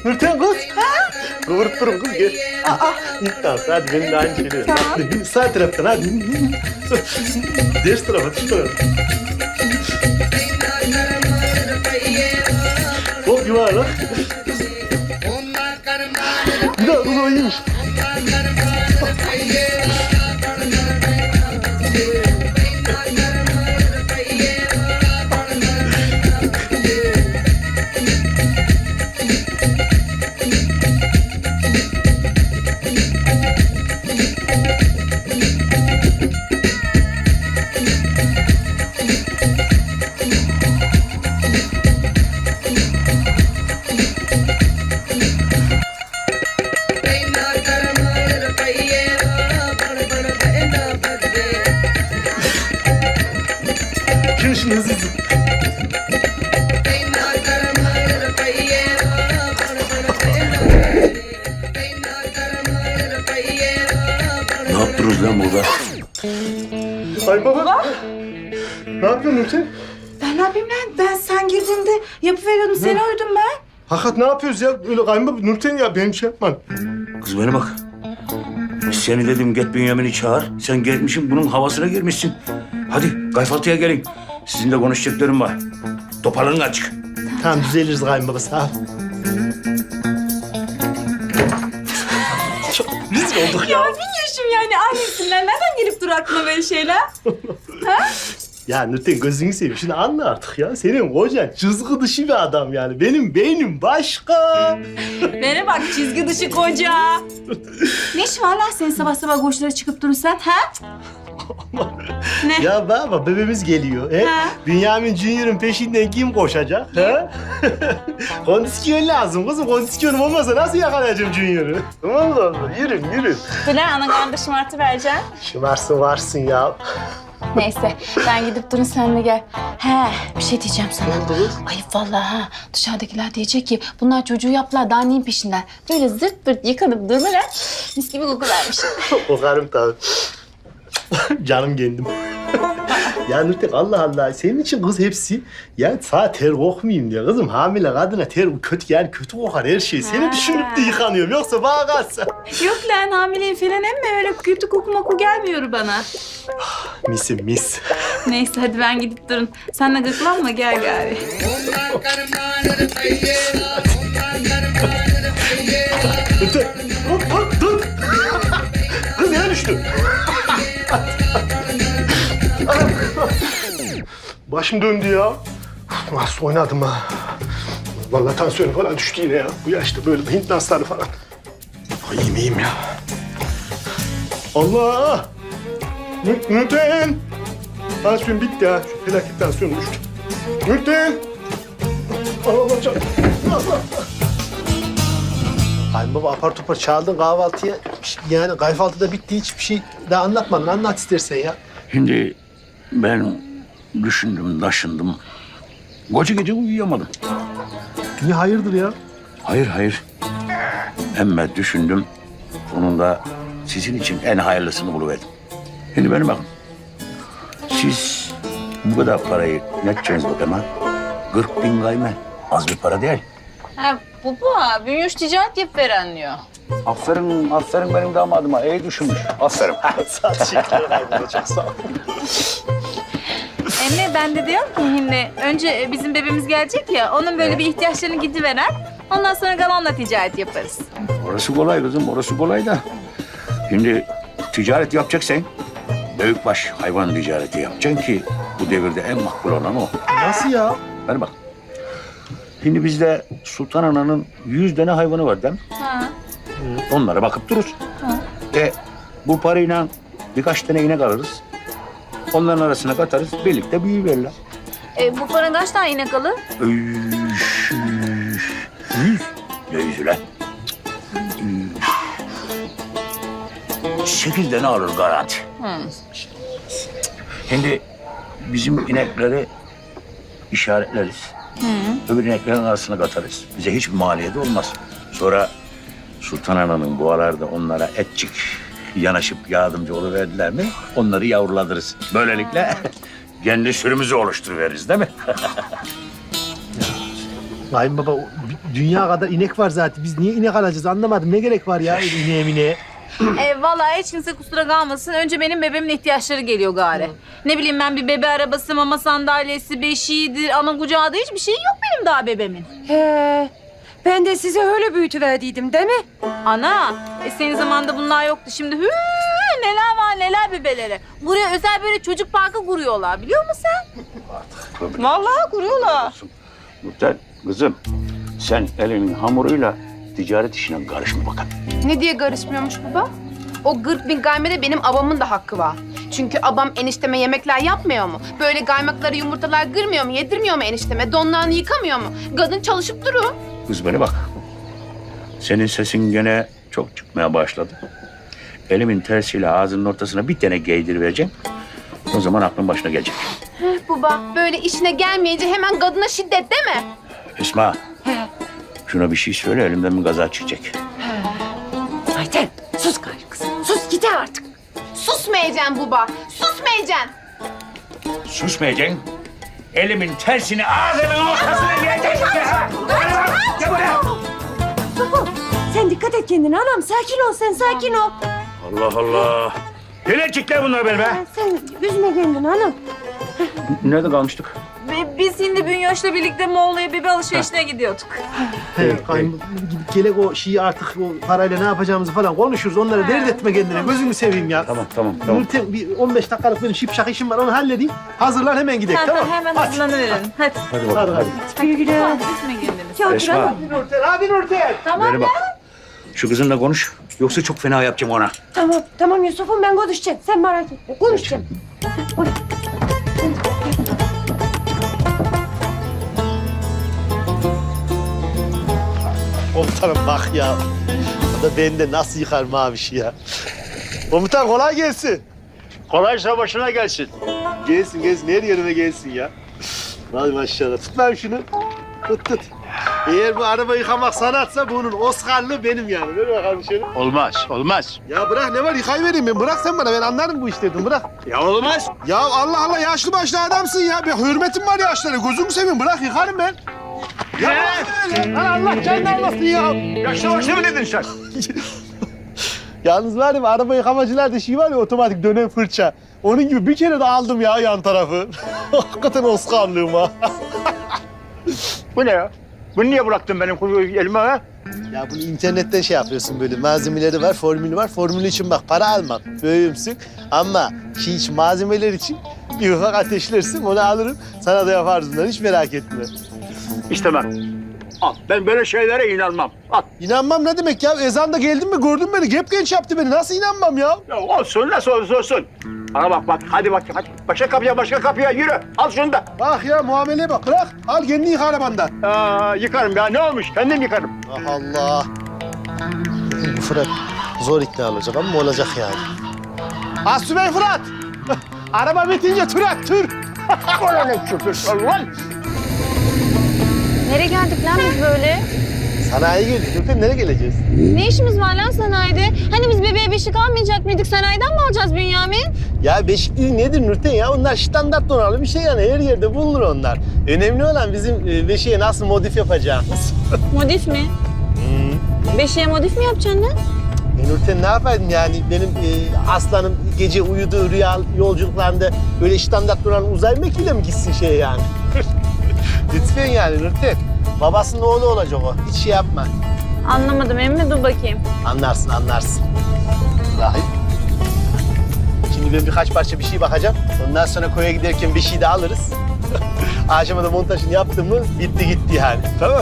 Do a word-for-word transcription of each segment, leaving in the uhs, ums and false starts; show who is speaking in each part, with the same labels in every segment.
Speaker 1: Nurten kız. Ha? Kıvırıp durun kız gel. Aa. Tamam hadi benim de aynı şeyleri.
Speaker 2: Tamam.
Speaker 1: Hadi, sağ taraftan hadi. Ders tarafa, şu tarafa. Hop yuvarlak. Bir daha kız o iyiymiş. Şunu şunu hızlı hızlı.
Speaker 3: Ne yaptınız lan burada?
Speaker 1: Ay baba. Ne yapıyorsun Nurten?
Speaker 2: Ben ne yapayım lan? Ben sen girdiğinde yapıveriyordum. Seni uydum ben.
Speaker 1: Hakikat ne yapıyoruz ya? Öyle kayınbaba Nurten ya benim şey yapman.
Speaker 3: Kız bana bak. Seni dedim get Bünyamin'i çağır. Sen gelmişsin bunun havasına girmişsin. Hadi kayfaltıya gelin. Sizinle konuşacaklarım var. Toparlanın açık.
Speaker 1: Tamam düzeliriz kayınbaba sağ ol. Çok rezil olduk
Speaker 2: Ya
Speaker 1: ya.
Speaker 2: bilmiyorum yani annesinden. Nereden gelip dur aklına böyle şeyler?
Speaker 1: Ya Nurten gözünü seveyim şunu anla artık ya. Senin kocan çizgi dışı bir adam yani. Benim beynim başka.
Speaker 2: Bana bak çizgi dışı koca. Ne işin var lan senin sabah sabah koşulara çıkıp durursan ha? Ne?
Speaker 1: Ya baba bebeğimiz geliyor. He?
Speaker 2: Ha.
Speaker 1: Bünyamin Junior'ın peşinden kim koşacak? He? Kondisyon lazım kızım. Kondisyonum olmasa nasıl yakalayacağım Junior'ı? Allah Allah yürü yürü.
Speaker 2: Dur lan ana karnında şımartı vereceğim.
Speaker 1: Şımarsın varsın ya.
Speaker 2: Neyse ben gidip durun sen de gel. He bir şey diyeceğim sana.
Speaker 1: Ne oldu kız?
Speaker 2: Ayıp vallahi ha. Dışarıdakiler diyecek ki bunlar çocuğu yaptılar daha neyin peşinden. Böyle zırt pırt yıkanıp durmalar mis gibi koku vermiş.
Speaker 1: Kokarım tabii. Canım kendim. Ya Nurten Allah Allah senin için kız hepsi ya sağ ter kokmayayım diye kızım hamile kadına ter kötü yani kötü kokar her şey. Seni
Speaker 2: Ha.
Speaker 1: düşünüp de yıkanıyorum yoksa bana kalsa.
Speaker 2: Yok lan hamileyim falan emme öyle kötü koku moku gelmiyor bana.
Speaker 1: Misim mis.
Speaker 2: Neyse hadi ben gidip durun. Sen de gıklanma gel gari.
Speaker 1: Nurten hop hop dur. Kız yere düştü. Anam. Başım döndü ya. Nasıl oynadım ha. Vallahi tansiyonu falan düştü yine ya. Bu yaşta böyle Hint dansları falan. Ay iyiyim iyiyim ya. Allah! Nü- Nurten! Tansiyon bitti ha. Şu felaket tansiyon düştü. Nurten! Allah Allah canım. Allah! Kayınbaba apar topar çağırdın kahvaltıya. Yani kahvaltıda bitti hiçbir şey daha anlatmadın. Anlat istersen ya.
Speaker 3: Şimdi ben düşündüm, taşındım. Koca gece uyuyamadım.
Speaker 1: Niye hayırdır ya?
Speaker 3: Hayır, hayır. Emme düşündüm. Sonunda sizin için en hayırlısını buluverdim. Şimdi benim bakın. Siz bu kadar parayı ne edeceksiniz bakayım ha? Kırk bin gayme. Az bir para değil.
Speaker 2: Ha bu bu ha. Büyüş ticaret yap veren diyor.
Speaker 3: Aferin, aferin benim damadıma. İyi düşünmüş. Aferin.
Speaker 1: Sağ ol, teşekkürler kayınbaba. Çok sağ ol.
Speaker 2: Emre ben de diyorum ki şimdi önce bizim bebeğimiz gelecek ya onun böyle bir ihtiyaçlarını gidiveren ondan sonra kalanla ticaret yaparız.
Speaker 3: Orası kolay kızım, orası kolay da. Şimdi ticaret yapacaksan büyükbaş hayvan ticareti yapacaksın ki bu devirde en makbul olan o.
Speaker 1: Nasıl ya?
Speaker 3: Hadi bak. Şimdi bizde Sultan Ana'nın yüz tane hayvanı var değil mi?
Speaker 2: Ha.
Speaker 3: Onlara bakıp dururuz. E bu parayla birkaç tane inek alırız. Onların arasına katarız, birlikte büyüverirler.
Speaker 2: E, bu para kaç tane inek alır?
Speaker 3: Üş, üş, yüz. Ne yüzü lan? Üş. Sekiz tane alır garanti.
Speaker 2: Hı.
Speaker 3: Şimdi bizim inekleri işaretleriz.
Speaker 2: Hı.
Speaker 3: Öbür ineklerin arasına katarız. Bize hiçbir maliyeti olmaz. Sonra Sultan Ana'nın boğalarda onlara etçik yanaşıp yardımcı oluverdiler mi onları yavruladırız. Böylelikle kendi sürümüzü oluşturuveririz değil mi?
Speaker 1: Kayınbaba
Speaker 4: dünya kadar inek var zaten. Biz niye inek alacağız anlamadım. Ne gerek var ya ineğe mineğe?
Speaker 2: E, vallahi hiç kimse kusura kalmasın. Önce benim bebeğimin ihtiyaçları geliyor gari. Ne bileyim ben bir bebe arabası, mama sandalyesi, beşiğidir, ana kucağı da hiçbir şey yok benim daha bebeğimin.
Speaker 5: He. Ben de size öyle büyütüverdiydim değil mi?
Speaker 2: Ana, e, senin zamanında bunlar yoktu. Şimdi hü neler var neler bebeleri. Buraya özel böyle çocuk parkı kuruyorlar biliyor musun sen? Vallahi kuruyorlar.
Speaker 3: Nurten, kızım sen elinin hamuruyla ticaret işine karışma bakalım.
Speaker 6: Ne diye karışmıyormuş baba? O kırk bin gaymede benim abamın da hakkı var. Çünkü abam enişteme yemekler yapmıyor mu? Böyle kaymakları, yumurtalar kırmıyor mu? Yedirmiyor mu enişteme? Donlarını yıkamıyor mu? Kadın çalışıp durur.
Speaker 3: Kız bana bak. Senin sesin gene çok çıkmaya başladı. Elimin tersiyle ağzının ortasına bir tane giydir vereceğim. O zaman aklın başına gelecek.
Speaker 6: Heh baba, böyle işine gelmeyince hemen kadına şiddet değil mi?
Speaker 3: Esma. Şuna bir şey söyle elimden bir gaza çıkacak.
Speaker 5: Ayten sus gayrı kızım. Sus gider artık.
Speaker 6: Susmayacaksın baba, susmayacaksın.
Speaker 3: Susmayacaksın. Elimin tersini ağzının ortasına giyeceksin. Gel buraya.
Speaker 5: Sofu sen dikkat et kendine anam. Sakin ol sen sakin ol.
Speaker 3: Allah Allah. Gelecekler bunlar benim be.
Speaker 5: Sen üzme kendini anam.
Speaker 3: Nerede kalmıştık?
Speaker 2: Ve biz şimdi Bünyoş'la birlikte Moğol'a bebe alışverişine gidiyorduk.
Speaker 4: He, kayın, gidip gelek o şeyi artık o parayla ne yapacağımızı falan konuşuruz. Onları dert etme kendine. Gözünü seveyim ya.
Speaker 3: Tamam tamam tamam.
Speaker 4: Nurten bir on beş dakikalık benim şipşak işim var. Onu halledeyim. Hazırlan hemen gidelim
Speaker 2: Ha,
Speaker 4: tamam.
Speaker 2: hemen
Speaker 4: Hadi.
Speaker 2: hazırlanıverelim. Hadi.
Speaker 3: Hadi bakalım hadi.
Speaker 5: Güle güle.
Speaker 2: Hadi üzme kendini.
Speaker 5: Ya
Speaker 3: Esma.
Speaker 5: Esma.
Speaker 4: Hadi Nurten, hadi Nurten.
Speaker 2: Tamam
Speaker 3: Bana bak. Şu kızınla konuş. Yoksa çok fena yapacağım ona.
Speaker 5: Tamam tamam Yusuf'um ben konuşacağım. Sen merak etme. Konuşacağım. Oy.
Speaker 1: Komutanım bak ya. O da bende nasıl yıkar maviş ya. Komutan kolay gelsin.
Speaker 3: Kolaysa başına gelsin.
Speaker 1: Gelsin gelsin her yerime gelsin ya. Hadi maşallah. Tut lan şunu. Tut tut. Eğer bu araba yıkamak sanatsa bunun Oscar'lı benim yani. Ver bakalım şöyle.
Speaker 3: Olmaz, olmaz.
Speaker 1: Ya bırak ne var yıkayıvereyim ben. Bırak sen bana ben anlarım bu işlerden bırak.
Speaker 3: Ya olmaz.
Speaker 1: Ya Allah Allah yaşlı başlı adamsın ya. Bir hürmetim var yaşlara. Gözümü seveyim bırak yıkarım ben. Ya bırak öyle. Lan Allah canını almasın ya.
Speaker 3: Yaşlı başlı mı dedin sen?
Speaker 1: Yalnız var ya araba yıkamacılarda şey var ya otomatik dönen fırça. Onun gibi bir kere de aldım ya yan tarafı. Hakikaten Oscar'lığım ha.
Speaker 3: Bu ne ya? Bunu niye bıraktın benim elime ha?
Speaker 1: Ya bunu internetten şey yapıyorsun böyle malzemeleri var, formülü var. Formülü için bak para almak, böyümsün. Ama şey için malzemeler için bir ufak ateşlersin onu alırım. Sana da yaparız bunları hiç merak etme.
Speaker 3: İstemem. Al. Ben böyle şeylere inanmam. Al.
Speaker 1: İnanmam ne demek ya? Ezanda geldin mi gördün beni. Gep genç yaptı beni. Nasıl inanmam ya?
Speaker 3: Ya olsun nasıl olursa olsun. Bana bak bak hadi bak hadi. Başka kapıya başka kapıya yürü. Al şunu da.
Speaker 1: Bak ya muameleye bak. Bırak. Al kendini yıka arabanda.
Speaker 3: Aa, yıkarım ya ne olmuş kendim yıkarım.
Speaker 1: Ah Allah. Bu Fırat zor ikna olacak ama olacak yani. Asubey Fırat. Araba bitince tür at tür.
Speaker 3: Bana ne küfür lan?
Speaker 2: Nereye geldik lan biz böyle?
Speaker 1: Sanayi geldik. Nurten nereye geleceğiz?
Speaker 2: Ne işimiz var lan sanayide? Hani biz bebeğe beşik almayacak mıydık? Sanayiden mi alacağız Bünyamin?
Speaker 1: Ya beşikli nedir Nurten ya? Onlar standart donanımlı bir şey yani. Her yerde bulunur onlar. Önemli olan bizim e, beşiğe nasıl modif yapacağımız.
Speaker 2: Modif mi? Beşiğe modif mi yapacaksın lan?
Speaker 1: E Nurten ne yapaydın yani? Benim e, aslanım gece uyuduğu rüya yolculuklarında böyle standart duran uzay mekiğiyle mi gitsin şey yani? Lütfen yani Nurten. Babasının oğlu olacak o. Hiç şey yapma.
Speaker 2: Anlamadım emmi dur bakayım.
Speaker 1: Anlarsın anlarsın. Vallahi. Şimdi ben birkaç parça bir şey bakacağım. Ondan sonra koya giderken bir şey de alırız. Akşama da montajını yaptım mı bitti gitti yani. Tamam.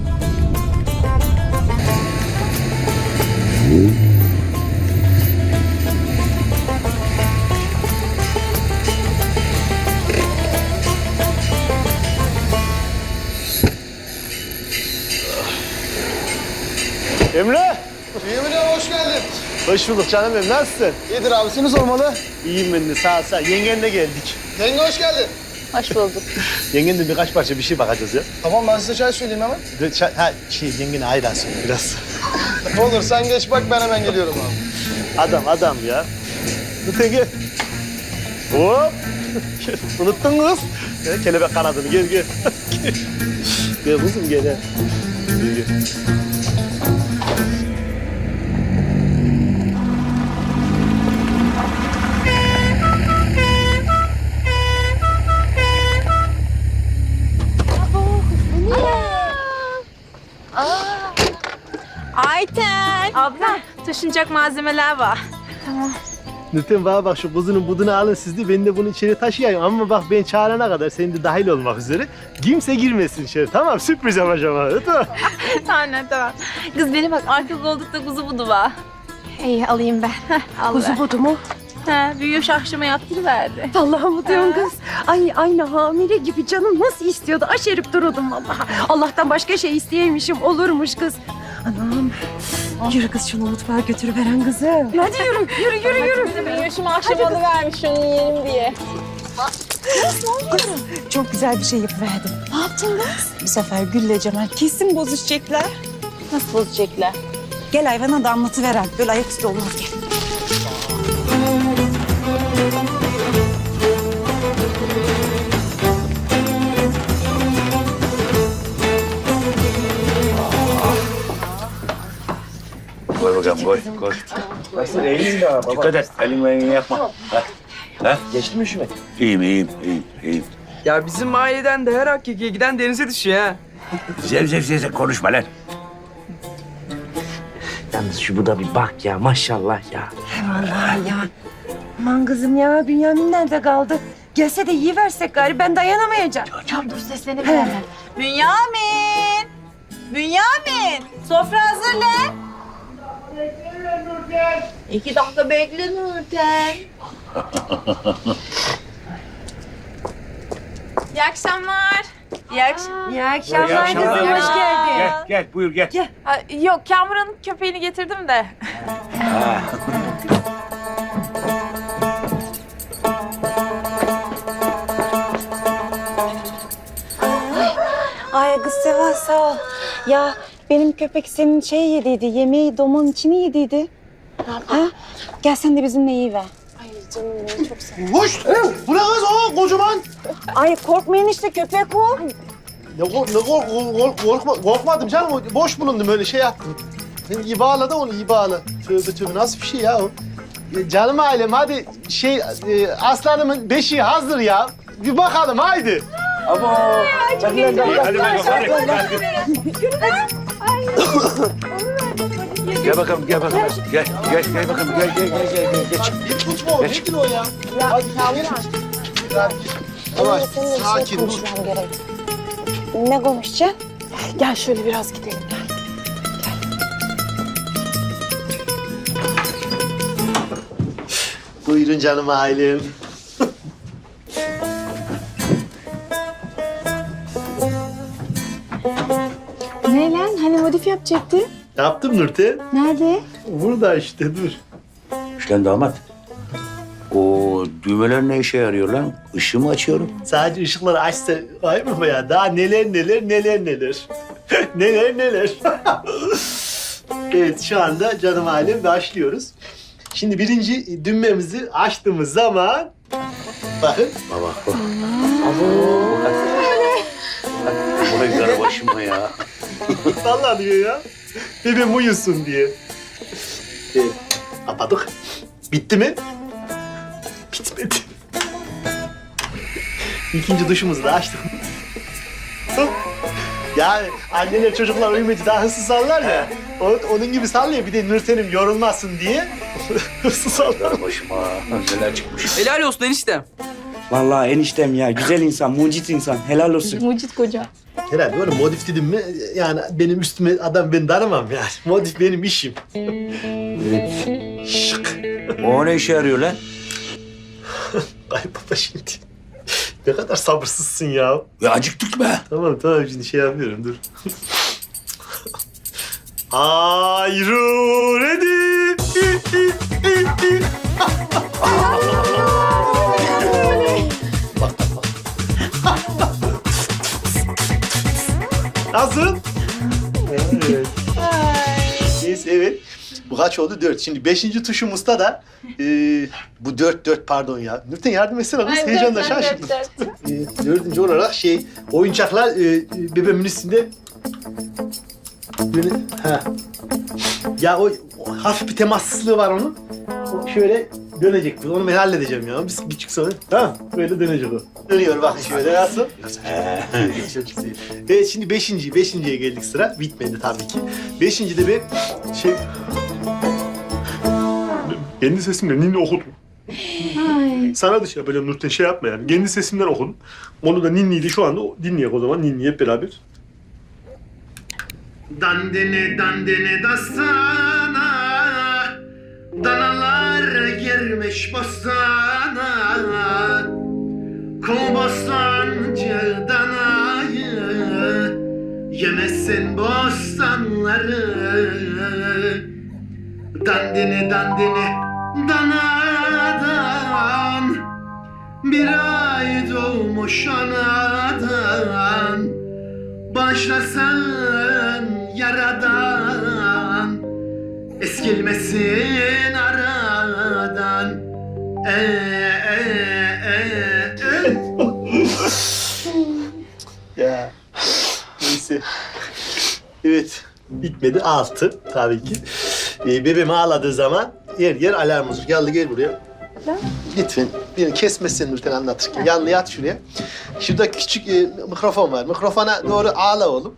Speaker 1: Emre.
Speaker 7: Emre hoş geldin.
Speaker 1: Hoş bulduk canım benim. Nasılsın?
Speaker 7: İyidir abi seni sormalı.
Speaker 1: İyiyim ben de sağ ol sağ ol. Yengenle geldik.
Speaker 7: Yenge hoş geldin.
Speaker 2: Hoş bulduk.
Speaker 1: Yengenle birkaç parça bir şey bakacağız ya.
Speaker 7: Tamam ben size çay söyleyeyim hemen.
Speaker 1: De, çay- ha şey yengene ayran söyle biraz.
Speaker 7: Olur sen geç bak ben hemen geliyorum abi.
Speaker 1: Adam adam ya. Lütfen gel. Hop. Unuttun mu kız? Gel, kelebek kanadını gel gel. Gel kızım gel. gel. Gel, gel.
Speaker 2: Ayten. Abla taşınacak malzemeler var.
Speaker 1: Nurten bana bak şu kuzunun budunu alın siz de ben de bunu içeri taşıyayım. Ama bak ben çağırana kadar sen de dahil olmak üzere. Kimse girmesin içeri tamam sürpriz yapacağım abi tamam.
Speaker 2: Tamam tamam. Kız beni bak arka koltukta kuzu budu var.
Speaker 6: İyi alayım ben.
Speaker 2: Al
Speaker 5: Kuzu
Speaker 2: ver.
Speaker 5: budu mu?
Speaker 2: Ha, büyüyor şahşıma yaptırıverdi.
Speaker 5: Allah'ım mı diyorsun kız? Ay aynı hamile gibi canım nasıl istiyordu? Aşerip dururdum vallahi. Allah'tan başka şey isteyeymişim olurmuş kız. Anam. Yürü kız şunu mutfağa götürüveren kızı. Hadi yürü, yürü, yürü, yürü.
Speaker 2: Büyüyor şu akşam alıvermiş onu yiyelim diye.
Speaker 8: Çok güzel bir şey yapıverdim. Ne yaptın kız? Bu sefer Gül'le Cemal kesin bozuşacaklar.
Speaker 2: Nasıl bozacaklar?
Speaker 8: Gel hayvana da anlatıveren. Böyle ayaküstü olmaz gel.
Speaker 3: Koy bakalım koy koy.
Speaker 4: Nasıl eğilin daha baba?
Speaker 3: Dikkat et elin elini yakma. Ha? Ha?
Speaker 4: Geçti mi üşüme?
Speaker 3: İyiyim iyiyim iyiyim iyiyim.
Speaker 9: Ya bizim mahalleden de her hakkiye giden denize düşüyor ha.
Speaker 3: Zev zev zev zev konuşma lan.
Speaker 4: Yalnız şu bu da bir bak ya maşallah ya.
Speaker 5: Vallahi ya. Aman kızım ya Bünyamin nerede kaldı? Gelse de yiyiversek gari ben dayanamayacağım.
Speaker 6: Ya dur seslenebilirim.
Speaker 2: Bünyamin! Bünyamin! Sofra hazırla. İki dakika bekle Nurten. İyi akşamlar. İyi akşamlar.
Speaker 5: İyi akşamlar
Speaker 3: İyi akşamlar.
Speaker 5: kızım hoş geldin.
Speaker 3: Gel gel buyur gel.
Speaker 2: Yok Kamuran'ın köpeğini getirdim de.
Speaker 3: Ha.
Speaker 8: Ay kız Seva sağ ol. Ya benim köpek senin şey yediydi, yemeği domun içini yediydi. Ha? Gel sen de bizimle yiyiver.
Speaker 4: Hoş! Bu ne kız o kocaman?
Speaker 8: Ay korkmayın işte köpek o.
Speaker 1: Ne, kork, ne kork, kork, korkma, korkmadım canım. O boş bulundum öyle şey yaptım. Sen iyi bağla da onu iyi bağla. Tövbe tövbe nasıl bir şey ya o? E, canım ailem hadi şey e, aslanımın beşiği hazır ya. Bir bakalım haydi.
Speaker 3: Hadi bakalım hadi. Gel bakalım gel bakalım. Gel gel gel bakalım gel gel gel gel gel geç.
Speaker 1: Bir tutma o nedir o ya? Hadi Yavaş sakin dur.
Speaker 8: Ne konuşacaksın?
Speaker 6: Gel şöyle biraz gidelim.
Speaker 1: Buyurun canım ailem.
Speaker 6: Ne lan? Hani modif yapacaktı?
Speaker 1: Yaptım Nurten.
Speaker 6: Nerede?
Speaker 1: Burada işte dur.
Speaker 3: İşte damat. O düğmeler ne işe yarıyor lan? Işığı mı açıyorum?
Speaker 1: Sadece ışıkları açsa ay mı ya? Daha neler neler neler neler. neler neler. Evet şu anda canım ailem başlıyoruz. Şimdi birinci düğmemizi açtığımız zaman bakın.
Speaker 3: Baba bak. Vay karabaşıma ya.
Speaker 1: Vallahi diyor ya. Bebeğim uyusun diye. Evet. Kapadık. Bitti mi? Bitmedi. İkinci duşumuzu da açtık. Yani anneler çocuklar uyumayınca daha hızlı sallar ya. O- onun gibi sallıyor. Bir de Nurten'im yorulmasın diye hızlı sallar.
Speaker 3: Karabaşıma neler çıkmış.
Speaker 9: Helal olsun eniştem.
Speaker 10: Vallahi eniştem ya güzel insan, mucit insan. Helal olsun.
Speaker 2: Mucit koca.
Speaker 1: Herhalde böyle modif dedim mi yani benim üstüme adam ben tanımam yani. Modif benim işim. Şık.
Speaker 3: O ne işe yarıyor lan?
Speaker 1: Ay baba şimdi. Ne kadar sabırsızsın ya.
Speaker 3: Ya acıktık be.
Speaker 1: Tamam tamam şimdi şey yapıyorum dur. Ayru ready. Bak bak bak. Nasıl? Evet. Neyse evet. Bu kaç oldu? Dört. Şimdi beşinci tuşumuzda da e, bu dört dört pardon ya. Nurten yardım etsene kız. Heyecanla şaşırdım. E, dördüncü olarak şey oyuncaklar e, bebeğimin üstünde Böyle, ha. Ya o, o hafif bir temassızlığı var onun. O şöyle dönecek. Onu ben halledeceğim ya. Biz küçük sonra. Tamam. Böyle dönecek o. Dönüyor bak şöyle nasıl? Çok güzel. Evet şimdi beşinci, beşinciye geldik sıra. Bitmedi tabii ki. Beşinci de bir şey... Kendi sesimle ninni okudum. Sana da şey yapacağım Nurten, şey yapma yani. Kendi sesimden okudum. Onu da ninniydi şu anda. Dinleyek o zaman. Ninni hep beraber. Dandene dandene dastana, danalar girmiş bostana, kov bostancı danayı, yemezsin bostanları. Dandene dandene danadan, bir ay doğmuş anadan, başlasın yaradan, eskilmesin aradan. E, e, e, e. Ya neyse. Evet. Bitmedi. Altı tabii ki. Ee, bebeğim ağladığı zaman yer yer alarm olur. Yallı gel buraya. Lütfen beni kesmesin Nurten anlatırken. Yallı yat şuraya. Şurada küçük e, mikrofon var. Mikrofona doğru ağla oğlum.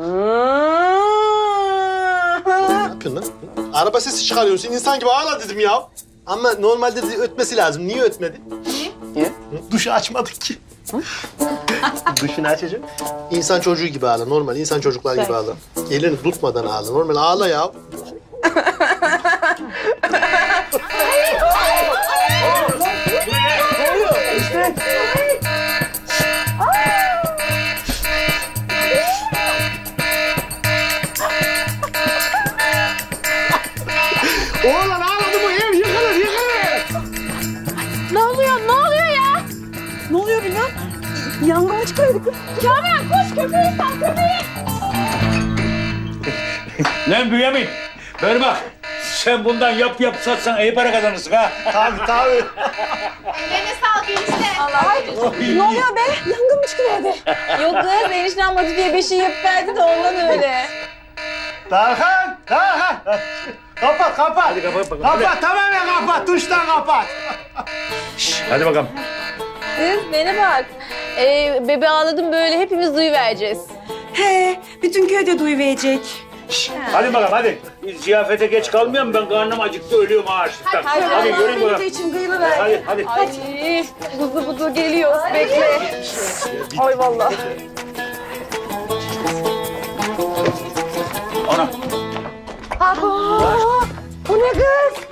Speaker 1: Ne yapıyorsun lan? Araba sesi çıkarıyorsun. İnsan gibi ağla dedim ya. Ama normalde de ötmesi lazım. Niye ötmedi?
Speaker 6: Niye?
Speaker 1: Duşu açmadık ki. Duşunu açacağım. İnsan çocuğu gibi ağla. Normal insan çocuklar gibi ağla. Elini tutmadan ağla. Normal ağla ya. Oğlan ağladı bu ev yıkılır yıkılır.
Speaker 2: Ne oluyor? Ne oluyor ya?
Speaker 5: Ne oluyor Bilal? Yangın mı çıkıyordu kız?
Speaker 2: Kamran koş köpeği sal köpeği.
Speaker 3: Lan Bünyamin, ver bak. Sen bundan yap yap satsan iyi para kazanırsın ha.
Speaker 1: Tabii tabii.
Speaker 6: Ellerine sağlık enişte.
Speaker 5: Ne oluyor be? Yangın mı çıkıyordu?
Speaker 2: Yok kız enişten modifiye beşi yapıp verdi de ondan öyle.
Speaker 1: Tarkan, Tarkan. Kapat, kapat. Hadi kapat bakalım. Kapat, tamamen kapat. Tuştan kapat.
Speaker 3: Hadi bakalım.
Speaker 2: Kız bana bak. Ee, bebe ağladım böyle hepimiz duyuvereceğiz.
Speaker 5: He, bütün köyde duyuverecek.
Speaker 3: Hadi bakalım hadi. Biz ziyafete geç kalmayalım. Ben karnım acıktı, ölüyorum ha açlıktan. Hadi, hadi yürüyün
Speaker 5: Benim de
Speaker 3: bakalım.
Speaker 5: için kıyılıverdi.
Speaker 3: Hadi hadi.
Speaker 2: Ay buzu buzu geliyoruz bekle. Ay vallahi.
Speaker 3: Ana.
Speaker 5: Bu ne kız?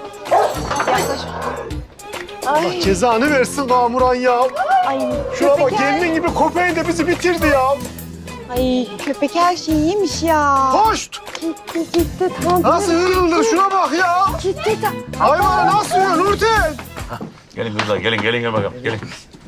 Speaker 1: Allah cezanı versin Kamuran ya.
Speaker 8: Ay
Speaker 1: Şuna bak
Speaker 8: köpek her...
Speaker 1: kendin gibi köpeğin de bizi bitirdi ya.
Speaker 8: Ay köpek her şeyi yemiş ya.
Speaker 1: Hoşt.
Speaker 5: Gitti gitti tamam.
Speaker 1: Nasıl hırıldı şuna bak ya.
Speaker 5: Gitti tamam.
Speaker 1: Hayvana nasıl yiyor Nurten?
Speaker 3: Gelin kızlar gelin gelin gel bakalım gelin.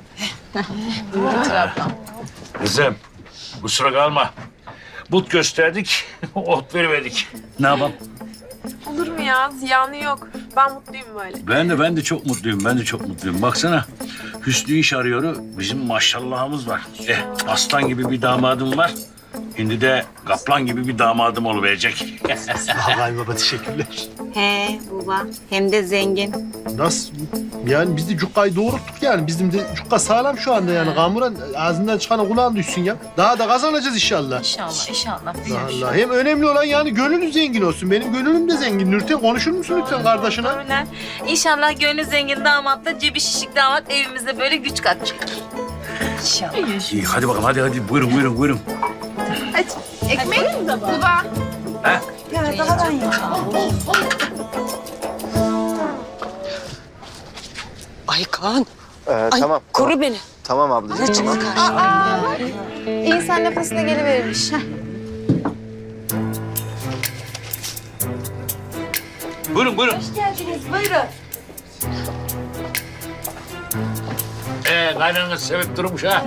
Speaker 3: Kızım kusura kalma. But gösterdik, ot vermedik. Ne yapalım?
Speaker 6: Olur mu ya? Ziyanı yok. Ben mutluyum böyle.
Speaker 3: Ben de ben de çok mutluyum. Ben de çok mutluyum. Baksana. Hüsnü iş arıyor. Bizim maşallahımız var. Eh, aslan gibi bir damadım var. Şimdi de kaplan gibi bir damadım oluverecek.
Speaker 1: Vallahi baba teşekkürler.
Speaker 8: He baba hem de zengin.
Speaker 1: Nasıl? Yani biz de cukkayı doğrulttuk yani. Bizim de cukka sağlam şu anda yani. Kamuran ağzından çıkan kulağın düşsün ya. Daha da kazanacağız inşallah.
Speaker 2: İnşallah inşallah.
Speaker 1: Allah Allah. Hem önemli olan yani gönlünüz zengin olsun. Benim gönlüm de zengin. Nurten konuşur musun lütfen kardeşine?
Speaker 2: Öyle. İnşallah gönlü zengin damatla cebi şişik damat evimizde böyle güç katacak. İnşallah.
Speaker 3: İyi, hadi bakalım hadi hadi buyurun buyurun buyurun.
Speaker 6: Ekmek baba.
Speaker 3: Ha?
Speaker 8: Ya daha ben ya.
Speaker 5: Ay Kaan.
Speaker 7: Ee,
Speaker 5: Ay,
Speaker 7: tamam.
Speaker 5: koru beni.
Speaker 7: Tamam ablacığım.
Speaker 5: Hadi
Speaker 7: Tamam.
Speaker 5: çık.
Speaker 6: İnsan nefesine geliverirmiş.
Speaker 3: Buyurun buyurun.
Speaker 5: Hoş geldiniz buyurun.
Speaker 3: Ee, kaynanız sevip durmuş ha.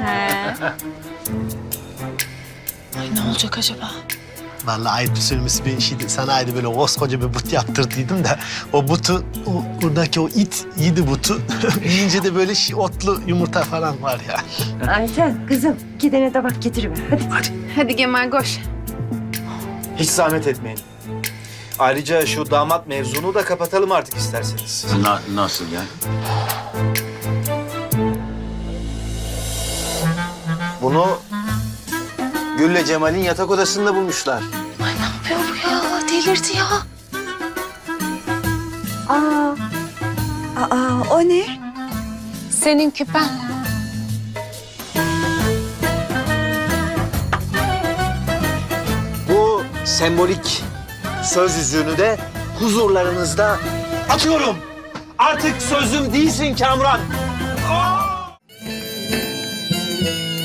Speaker 2: Ne olacak acaba?
Speaker 1: Vallahi ayıp söylemesi ben şeydi. Sana ayrı böyle koskoca bir but yaptırdıydım da o butu, o, buradaki o it yedi butu. Yiyince de böyle şey, otlu yumurta falan var ya.
Speaker 5: Ayten kızım gidene tabak getiriver hadi.
Speaker 3: Hadi.
Speaker 6: Hadi Kemal koş.
Speaker 11: Hiç zahmet etmeyin. Ayrıca şu damat mevzunu da kapatalım artık isterseniz.
Speaker 3: Na- nasıl ya?
Speaker 11: Bunu Gül'le Cemal'in yatak odasında bulmuşlar.
Speaker 8: Ya bu ya delirdi ya. Aa, aa o ne?
Speaker 6: Senin küpen.
Speaker 11: Bu sembolik söz yüzüğünü de huzurlarınızda atıyorum. Artık sözüm değilsin Kamran.